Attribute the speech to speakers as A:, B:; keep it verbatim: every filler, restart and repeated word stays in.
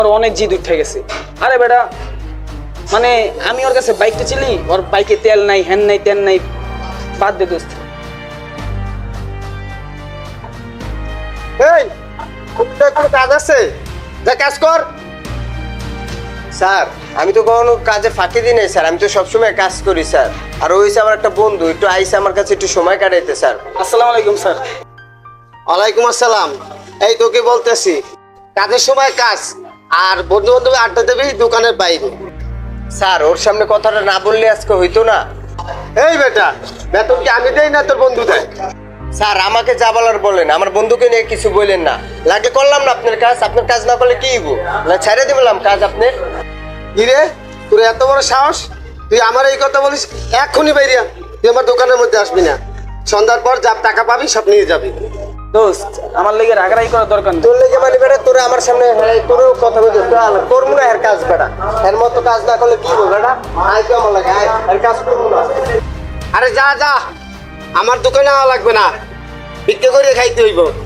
A: অনেক জিদ উঠে গেছে। আরে বেটা মানে আমি ওর কাছে বাইকটা চিলি, ওর বাইকে তেল নাই, হ্যান নাই, তেল নাই, বাদ দে দোস্ত।
B: এই কোনো কাজ আছে, যা কাজ কর। স্যার আমি তো কোনো কাজে ফাঁকি দিই নাই স্যার, আমি তো সবসময় কাজ করি স্যার। আর ওই আমার একটা বন্ধু একটু আইসে আমার কাছে একটু সময় কাটাইতে স্যার।
A: আসসালামু আলাইকুম স্যার।
B: ওয়ালাইকুম আসসালাম। এই তোকে বলতেছি কাজের সময় কাজ, আর বন্ধু বান্ধব আড্ডা দেবি দোকানের বাইরে। স্যার ওর সামনে কথাটা না বললে আজকে হইতো না। এই বেটা বেতন কি আমি দেই না তোর বন্ধু দেয়? স্যার আমাকে যা বলার বলেন, আমার বন্ধুকে নিয়ে কিছু বললেন না। লাগে করলাম না আপনার কাজ, আপনার কাজ না করলে কি হইব? না ছেড়ে দিলাম কাজ আপনি। কিরে তোর এত বড় সাহস, তুই আমার এই কথা বলিস? এক্ষুনি বেরিয়া, তুই আমার দোকানের মধ্যে আসবি না। সন্ধ্যার পর যা টাকা পাবি সব নিয়ে যাবি।
A: দোস্ত আমার লেগে রাগারাগি করার দরকার নেই।
B: তোর লেগে মানে বেটা তোর আমার সামনে তোরও কথা বলতে করবো না। এর কাজ বেটা, এর মতো কাজ না করলে কি বল বেটা? আয় তো আমার লাগে, আয় এর কাজ করবো না। আরে যা যা, আমার দোকানে আওয়া লাগবে না, ভিক্ষে করে খাইতে হইব।